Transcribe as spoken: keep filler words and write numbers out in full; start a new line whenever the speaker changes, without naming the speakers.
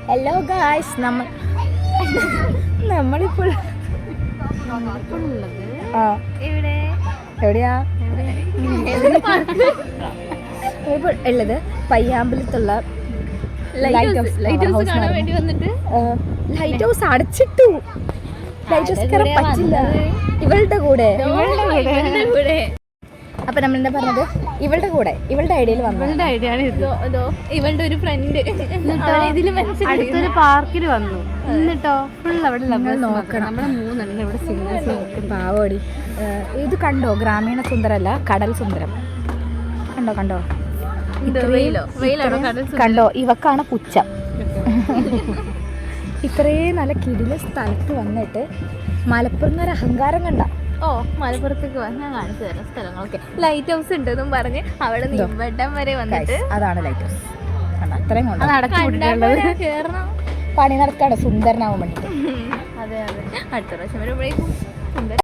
Hello guys, നമ്മൾ നമ്മളിപ്പോൾ ആ എവിടെയാ ഇപ്പോൾ ഉള്ളത് പയ്യാമ്പലത്തുള്ള ലൈറ്റ് ഹൗസ്. ലൈറ്റ് ഹൗസ് അടച്ചിട്ടു. ലൈറ്റ് ഹൗസ് കയറാൻ പറ്റില്ല ഇവളുടെ കൂടെ. അപ്പൊ നമ്മൾ എന്താ പറഞ്ഞത്, ഇവളുടെ കൂടെ ഇവളുടെ ഐഡിയയിൽ വന്നു.
ഇവളുടെ ഒരു ഫ്രണ്ട്
അടുത്തൊരു പാർക്കിൽ വന്നു എന്നിട്ടോ ഫുൾ അവിടെ
നോക്കണം.
നമ്മളെ മൂന്നെണ്ണം ഇവിടെ സിംഗേഴ്സ് നോക്കും.
പാവോടി. ഇത് കണ്ടോ, ഗ്രാമീണ സുന്ദരല്ല കടൽ സുന്ദരം. കണ്ടോ കണ്ടോ കണ്ടോ, ഇവക്കാണ് പുച്ഛം. ഇത്രയും നല്ല കിടില സ്ഥലത്ത് വന്നിട്ട് മലപ്പുറം ഒരു അഹങ്കാരം കണ്ട.
ഓ, മലപ്പുറത്തേക്ക് വന്നാൽ കാണിച്ചു തരാം സ്ഥലങ്ങളൊക്കെ. ലൈറ്റ് ഹൗസ് ഉണ്ടെന്നും പറഞ്ഞ് അവിടെ നിമ്പട്ടം വരെ വന്നിട്ട്
അതാണ് ലൈറ്റ് ഹൗസ്. അത്രയും കൊണ്ട്
കേറണം.
പണി നടക്കാണ് സുന്ദരനാവാൻ വേണ്ടിട്ട്.
അതെ അതെ, അടുത്ത പ്രാവശ്യം വരുമ്പോഴേക്കും സുന്ദരൻ